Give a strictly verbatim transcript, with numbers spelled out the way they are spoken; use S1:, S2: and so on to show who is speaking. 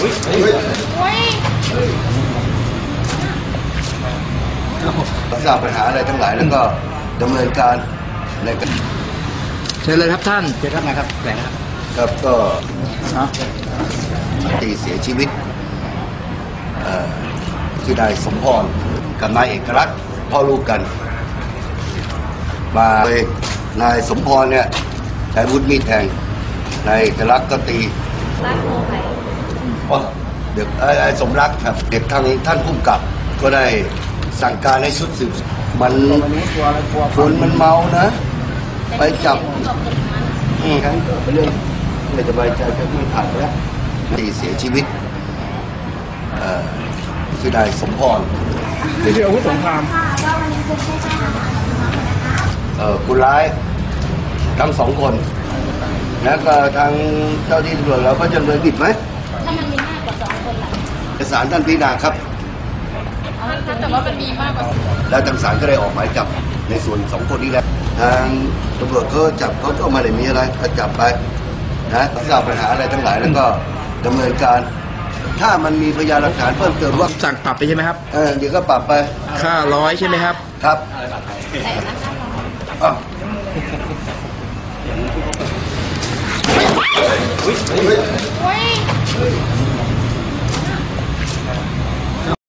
S1: ทราบปัญหาอะไรทั้งหลายแล้วก็ดำเนินการในการ
S2: เชิญเลยครับท่านเชิญครับนะครับแหล่ง
S1: ครับก็ตีเสียชีวิตชื่อนายสมพรกับนายเอกลักษณ์พ่อลูกกันมาเลยนายสมพรเนี่ยใช้วุฒิมีดแทงนายเอกลักษณ์ก็ตีรักโมไผ่เด็กไอ้สมรักครับเด็กทางท่านผู้กำกับก็ได้สั่งการให้ชุดสืบมันคนมันเมานะไปจับอืมครั้งไปเรื่องไม่สบายใจก็ไม่ผ่านแล้วตีเสียชีวิตคือนายสมพร
S2: ที่เรียกอาวุธสงคราม
S1: ผู้ร้ายทั้งสองคนแล้วก็ทางเจ้าที่ตำรวจเราก็จะดำเนินผิดไหม
S3: ถ้ามันมีมากกว่าสองคนล่ะ
S1: เอกสารท่านพิจารณาครับ
S3: แต่ว่ามันมีมากกว่า
S1: แล้วทางศาลก็ได้ออกหมายจับในส่วนสองคนนี้แล้วทางตำรวจเขาจับเขาก็มาได้มีอะไรก็จับไปนะทราบปัญหาอะไรทั้งหลายแล้วก็ดำเนินการถ้ามันมีพยานหลักฐานเพิ่มเติมว่า
S2: สั่งปรับไปใช่ไหมครับ
S1: เออเดี๋ยวก็ปรับไป
S2: ค่าร้อยใช่ไหมครับ
S1: ครับอ้าว
S3: อุ้ย